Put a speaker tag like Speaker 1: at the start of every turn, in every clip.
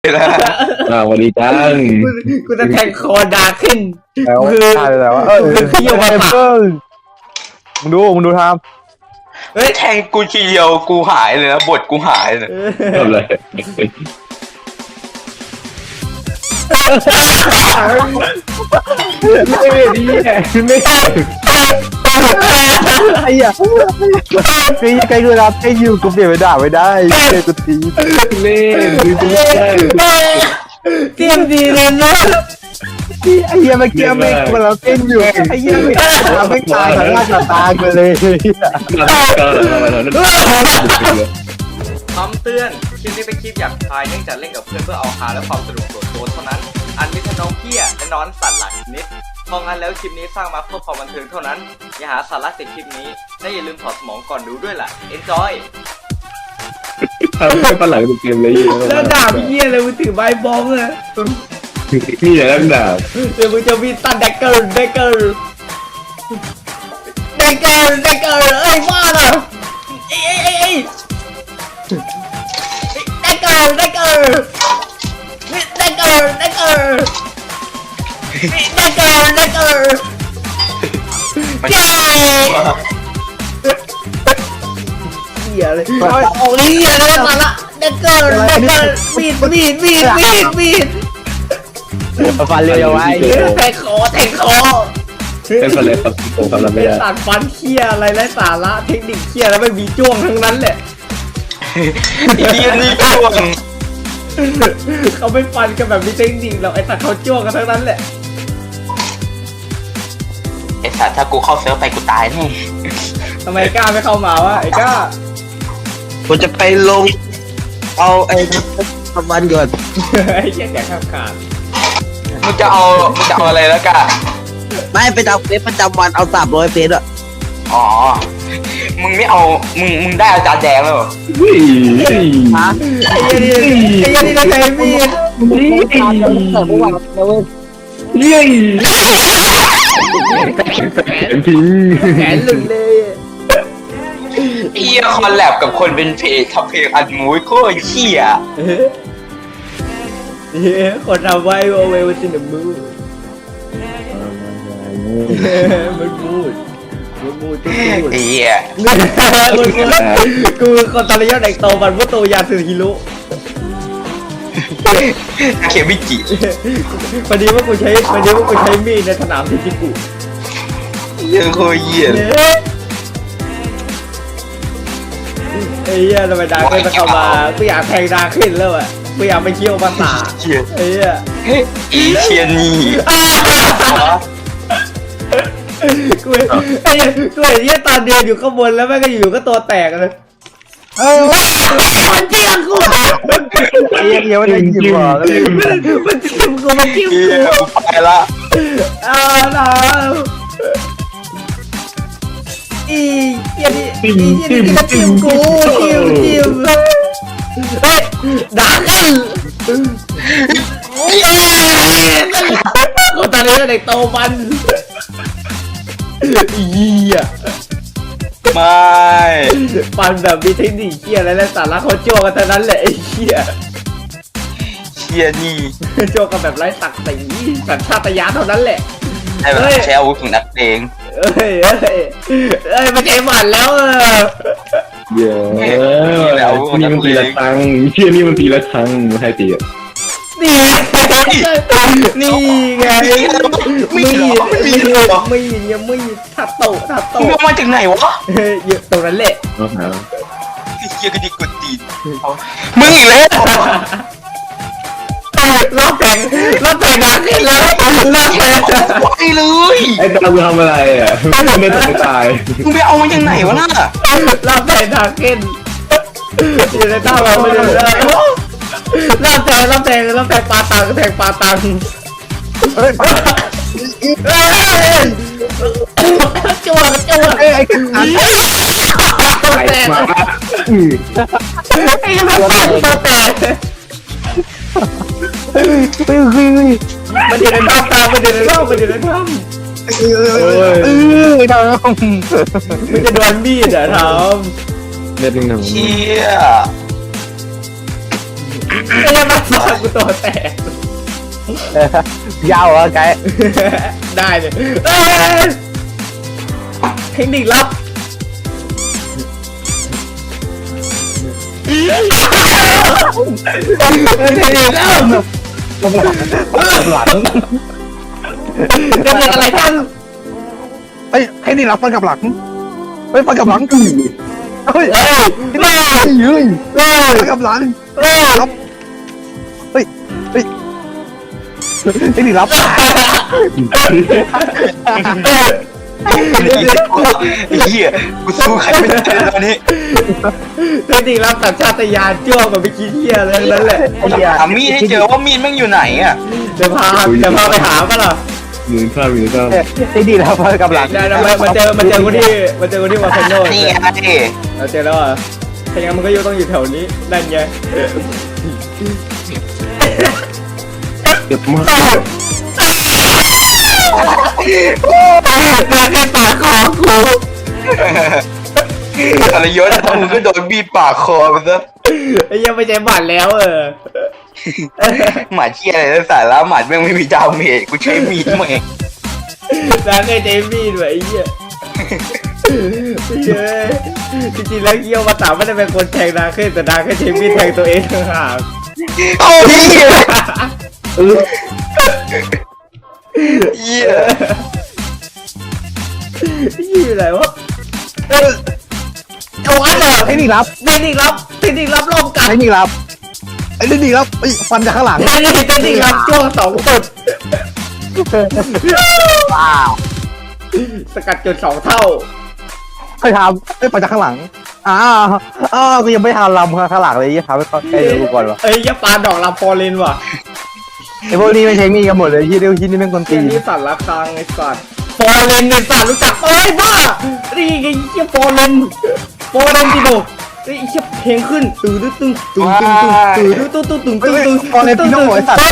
Speaker 1: วันดีจัง
Speaker 2: กูจะแทงคอดาขึ้น
Speaker 3: คือแต่ว่า
Speaker 2: เขี้ยวมาปาก
Speaker 3: มึงดูทำ
Speaker 4: เฮ้ยแทงกูทีเดียวกูหายเลยนะบทกูหายเลย
Speaker 1: ทำเลย
Speaker 3: ไม่ดีไม่ได้ไอ้อะคือยังไงกูรับให้อยู่กูเปลี่ยนไปด่าไม่ได้เจอกูตี
Speaker 1: เล่นดูดี
Speaker 2: เตรียมดีเลยนะ
Speaker 3: ไอ้เหี้ยเมื่อกี้ไม่กูเราเต้นอยู่ไอ้เหี้ยไม่ตายทั้งหน้าตากันเลย
Speaker 2: คำเตือนคลิปนี้เป็นคลิปหยาบคายเนื่องจากเล่นกับเพื่อนเพื่อเอาฮาและความสนุกส่วนตัวเท่านั้นอันมิทน้องเพี้ยและนอนสัตว์หลักนิดเพราะงั้นแล้วคลิปนี้สร้างมาเพื่อความบันเทิงเท่านั้นอย่าหาสาระจากคลิปนี้และอย่าลืมถอดสมองก่อนดูด้วยล่ะ enjoy
Speaker 1: ทำให้ฝรั่งดูเกมเลย
Speaker 2: แล้วดาบเหี้ยเลยมึงถือใบบองเลย
Speaker 1: นี่อย่าเล่นดาบ
Speaker 2: เดี๋ยวมึงจะมีตันแดกเกอร์เอ้ยมาละเอ้ยแดกเกอร์เจ้าเหี้ยเลยโอ้ยเหี้ยเลยมาละแดกเกอร์มีด
Speaker 3: ฟันเร็วไว้
Speaker 2: แทงคอ
Speaker 1: เป็นอะไรครับผมทำอะไรไม่ได้
Speaker 2: ตัดฟันเคี้ยอะไรไร้สาระเทคนิคเคี้ยแล้วไม่มีจ้วงทั้งนั้นแหละ
Speaker 4: นี่จ้วง
Speaker 2: เขาไม่ฟันกันแบบมีเทคนิคหรอกไอ้สัตว์เขาจ้วงกันทั้งนั้นแหละ
Speaker 4: ไอ้สัตว์ถ้ากูเข้าเซิร์ฟไปกูตายแน่
Speaker 2: ทำไมกล้าไม่เข้ามาวะไอ้กล้า
Speaker 4: กูจะไปลงเอาไอ้ทำวันก่อน
Speaker 2: ไอ้เหี้ยแกข้ามขาด
Speaker 4: มึงจะเอาอะไรแล้วกัน
Speaker 3: ไม่ไปเอาเฟซประจำวันเอา300 เฟซอะ
Speaker 4: อ๋อมึงไม่เอามึงได้อาจารย์แดงแล้วเหรอ
Speaker 3: ฮะ
Speaker 2: ไอ้เหี้ยนี่ได้ไงพี่แขนหลุดเลย
Speaker 4: เหี้ยคอลแลบกับคนเป็นเพจทำเพลงอัดมูยโคตรเหี้ย
Speaker 2: คนทำไว้โอเวอร์ซินมือมันพูด
Speaker 4: เหี้ย
Speaker 2: กูคนตอนนี้ยอดเด็กโตมันว่าโตยาสึฮิโร่
Speaker 4: เคมิจิ
Speaker 2: พอดีว่ากูใช้มีดในสนามที่กู
Speaker 4: ยังโคตรเหี้ย
Speaker 2: ไอ้เหี้ยทำไมดาขึ้นมาเข้ามากูอยากแทงดาขึ้นแล้วอ่ะกูอยากไปเคี่ยวภาษาไอ้เหี้ย
Speaker 4: อีเชียนี่
Speaker 2: กูเห็นเหี้ยตอนเดินอยู่ข้างบนแล้วแม่งก็อยู่ก็ตัวแตกเลยมันเจียงกู
Speaker 3: เดี๋ยวได้ยินบ่
Speaker 2: มันเจียงกู
Speaker 4: ไปละ
Speaker 2: นะอีเหี้ยนี่ก็จิ้มกูจิ้มเฮ้ยด่ากันคนตอนนี้เด็กโตมันเหี้ย
Speaker 4: ไม่
Speaker 2: ปันแบบมีเทคนิคเหี้ยอะไรและสาระเขาโจ้กันเท่านั้นแหละไอ้เหี้ย
Speaker 4: นี่
Speaker 2: โจ้กันแบบไร้ศักดิ์ศรีสัญชาตญาณเท่านั้นแหละ
Speaker 4: ใช้อาวุธของนักเลง
Speaker 2: มาเทมันแล้ว
Speaker 1: เยอะนี่มันตีละครั้งเชี่ยนี่มันตีละครั้งไม่ให้ตีอ่ะ
Speaker 2: นี่ไงไม่ทัดโต
Speaker 4: มึงมาจากไหนวะ
Speaker 2: อยู่ตรงนั้นแหละ
Speaker 4: เฮียก็ดีกดตีนมึงอีกแล้ว
Speaker 2: รอบแทงดักขึ้นแล้วรอบแทง
Speaker 4: ไวเลย
Speaker 1: ไอ้ตามึงทำอะไรอ่ะไม่ตาย
Speaker 4: มึงไปเอามาจากไหนวะน่ะ
Speaker 2: รอบแทงดักขึ้นอยู่ในท่าเราไม่ได้รอบแทงปลาตังจั่ว
Speaker 3: ไอ้กัน
Speaker 2: ไอ้มาไอ้มาตัวแตกมันอยู่ในถ้ำมันจะโดนมีดอ่ะทำ
Speaker 1: เด็ดหนึ่ง
Speaker 4: เชี่ย
Speaker 2: ไอ้เหี้ยมาสอนกูตัวแตก
Speaker 3: ยาวอะไกด์
Speaker 2: ได้เลยเทคนิคลับเทคนิคลับ
Speaker 3: หลัง
Speaker 2: จะเป็นอะไรท่าน
Speaker 3: เฮ้ยให้นี่รับฟันกับหลังเฮ้ยฟันกับหลังเฮ้ยไม่ยืนฟันกับหลังรับเฮ้ยให้นี่รับ
Speaker 4: ไอ้เหี้ยกูสู้ใครไม่ได้ตอนนี้
Speaker 2: เทคนิคลับสัญชาตญาณจ้วงแบบไปคิดเหี้ยอะไรนั่นแหละ
Speaker 4: หามีดให้เจอว่ามีดมันอยู่ไหนอ่ะ
Speaker 2: เดี๋ยวพาไปหาป่ะล่ะ
Speaker 1: หนึ่งข้าวหนึ่งข้าว
Speaker 3: ให้นี่รับฟันกับหลัง
Speaker 2: ได้มาเจอกูที่วอลเซนโน
Speaker 4: นี่ไง
Speaker 2: เราเจอแล้วอ่ะถ้าอย่างนั้นมันก็ต้องอยู่แถวนี้นั่นไง
Speaker 1: เจ็บมาก
Speaker 2: มาแค่ปากคอกู
Speaker 4: อะไรยศมึงก็โดนบีบปากคอไปซะ
Speaker 2: ไอ้ยังไม่ใช่บัตรแล้ว
Speaker 4: หมาเชี่ยอะไรแล้วสาระหมาแม่งไม่มีดาวเมจกูใช้มีดแม่ง
Speaker 2: ร้านไอ้เจมี่ด้วยไอ้เหี้ยจริงๆแล้วเกี้ยวมาตามไม่ได้เป็นคนแทงนาขึ้นแต่นาแค่เจมี่แทงตัวเองต่างหาก
Speaker 4: โอ้ยเหี้ย
Speaker 2: ยี่อะไรวะเอาอันเหรอ
Speaker 3: ให้นี่รับ
Speaker 2: เทคนิคลับรอบกัด
Speaker 3: ให้นี่รับไอ้นี่รับฟันจากข้างหลัง
Speaker 2: เทคนิคลับจ้วง2 จุด
Speaker 3: ว้าว
Speaker 2: สกัดจุด2 เท่า
Speaker 3: เคยทำฟันจากข้างหลังกูยังไม่ทำลำข้างหลังเลยยี่ทำให้เขาให้ดูก่อนวะ
Speaker 2: เอ้ยอย่าปาดอกลาฟอร์เรนว่ะ
Speaker 3: ไอ้พวกนี้ไม่ใช้มีกันหมดเลยยี่เดียวยี่นี่แม่งคน
Speaker 2: เก
Speaker 3: ตี
Speaker 2: มนี้สั่นละครังไอ้สัตว์ฟอร์เรนไอ้สัตว์รู้จักเอ้ยบ้านี่ไงเหี้ยฟอร์เรนติโดไอ้เหี้ยเพลงขึ้นตื่นตึ้งฟอร์เรนติโด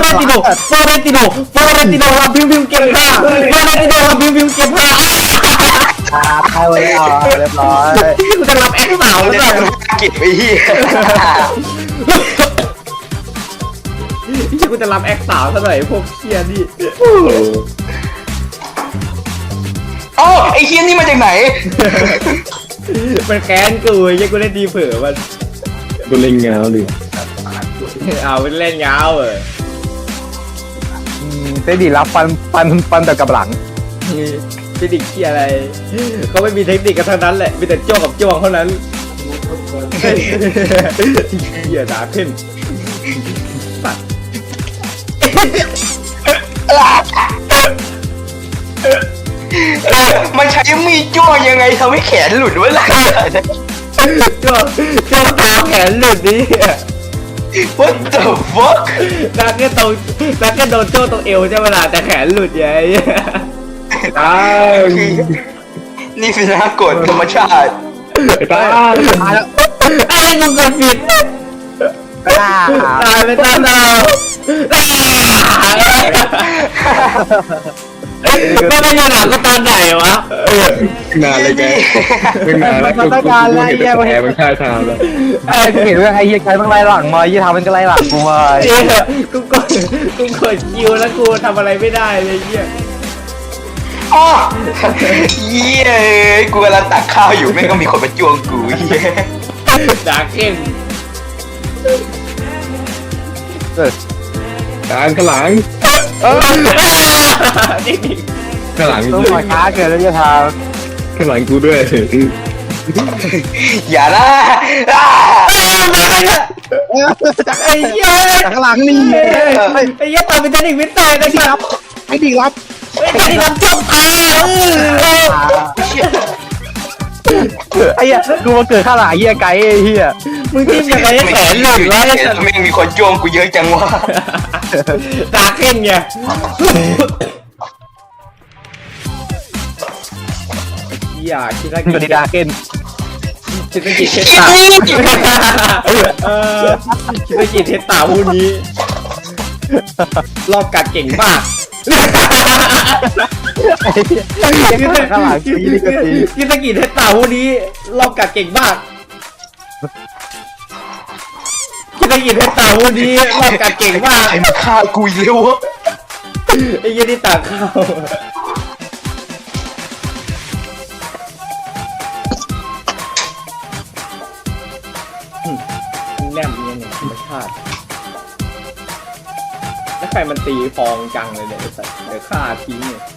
Speaker 2: รับพิมพ์เก็บผ้าฟอร์เรนติโดรับพิมพ์เก็บผ้า
Speaker 3: ตายเลยเรียบร้อย
Speaker 2: กูจะรับแอคสาวแล้ว
Speaker 4: เก็บไอ้เหี้ย
Speaker 2: กูจะรับแอคสาวซะหน่อยพวกเคียนี่
Speaker 4: อ๋อไอ้เหี้ยนี่มาจากไหน
Speaker 2: มันแค้นกูยังกูเล่นดีเผื่อมัน
Speaker 1: กูเล่นเงาเลย
Speaker 2: เอาไปเล่นยาว
Speaker 3: เต้ดีรับฟันแต่กับหลัง
Speaker 2: เทคนิคเคียอะไรเขาไม่มีเทคนิคกันทั้งนั้นแหละมีแต่จ้วงกับจ้วงเท่านั้นเหี้ยด่าขึ้นสัตว์
Speaker 4: มันใช้มีดจ้วงยังไงทำให้แขนหลุดวะล่ะ
Speaker 2: จ้วงตาแขนหลุดนี่
Speaker 4: What the fuck
Speaker 2: นักแค่โดนจ้วงตรงเอวใช่ไหมล่ะแต่แขนหลุดไง
Speaker 1: ตาย
Speaker 4: นี่เป็นนักกฎธรรมชาติ
Speaker 1: ตาย
Speaker 3: ตายแล้ว
Speaker 2: ไอ้มึงกดผิดตายไปตามดาวไม่ได้ยินหลังก็ตอนไหนวะ
Speaker 1: นานเลยแกเป็นนานแล้วกูเห็นแต่แผลมันฆ่าทางแล้ว
Speaker 3: เห็นว่าไอ้เหี้ยใครมันไล่หลังมายี่ทำมันก็ไล่หลังกูมา
Speaker 2: เจ๊กูกดคิวแล้วกูทำอะไรไม่ได้เลยเหี้ย
Speaker 4: อ๋อเหี้ยกูกำลังตักข้าวอยู่แม่งก็มีคนมาจ้วงกูเหี้ย
Speaker 2: ด่าเข้ม
Speaker 1: การข้างหลัง
Speaker 2: นี่
Speaker 1: ข้างหลัง
Speaker 3: ต้องมาช้าเกินแล้วจะท
Speaker 1: ข้างหลังกูด้วย
Speaker 4: อย่านะอ่า
Speaker 3: ำ
Speaker 2: ไอ้เหี้ย
Speaker 3: จากข้างหลังนี่
Speaker 2: ไอ้เหี้ยตายเป็นเทคนิควิทย์ตายนะครับ
Speaker 3: ให้ดีรับ
Speaker 2: ไอ้เทคนิครับจบตาย
Speaker 3: ไอ้เหี้ยกูมาเกิดข้างหลังเหี้ยไกด์ไอ้เหี้ย
Speaker 2: มึงจิ้มยังไงให้แขนหลุดวะไอ้สัตว์
Speaker 4: แม่งมีคนจ้วงกูเยอะจังวะ
Speaker 2: ด่าเข้มไงอย่าคิดว่า
Speaker 3: สวัสดีดาเกน
Speaker 2: คิดว่ากี่เทสตาคิดว่ากี่เทสตาผู้นี้รอบกัดเก่งมาก
Speaker 3: ข้างหลังตีนี่ก็ตี
Speaker 2: คิดว่ากี่เทสตาผู้นี้รอบกัดเก่งมากคิดได้ยินให้ตาวูดีรอบการเก่งมาก
Speaker 4: ไอ้มันฆ่ากูอีกแล้ววะ
Speaker 2: ไอ้ยี่นี่ตาเข้าแนมเนี่ยเนี่ยธรรมชาติแล้วใครมันตีฟองจังเลยเนี่ยไอ้สัตว์เดี๋ยวฆ่าทิ้งเนี่ย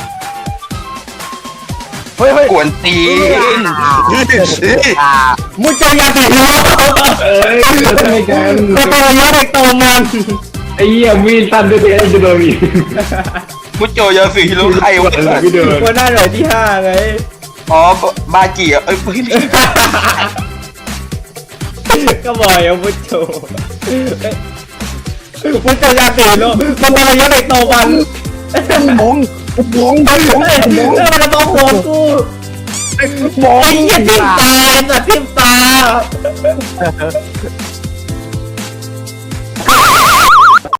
Speaker 3: เฮ้ย
Speaker 4: กวนตีน
Speaker 2: มุจยาติโร่
Speaker 1: ทำไมกัน
Speaker 2: ก็ตัวยอดเด็กโตมัน
Speaker 1: ไอ้เหี้ยมีดสั้นด้วยไอ้จะโดนอีก
Speaker 4: มุจโจยาสีฮิโร่ใครวะ
Speaker 1: ไม่เดิน
Speaker 2: วันหน้าหน่วยที่5ไง
Speaker 4: อ๋อบาจิอ่ะเอ้ยไม่ใช่
Speaker 2: ก็บอกอย่ามุจโจมุจยาติโร่มันตัวยอดเด็กโตมัน
Speaker 3: มองมองมองมอง
Speaker 2: แล้วมันต้องหัวกู
Speaker 3: มอง
Speaker 2: ไอ้เหี้ยทิ่มตาไอ้สัตว์ทิ่มตา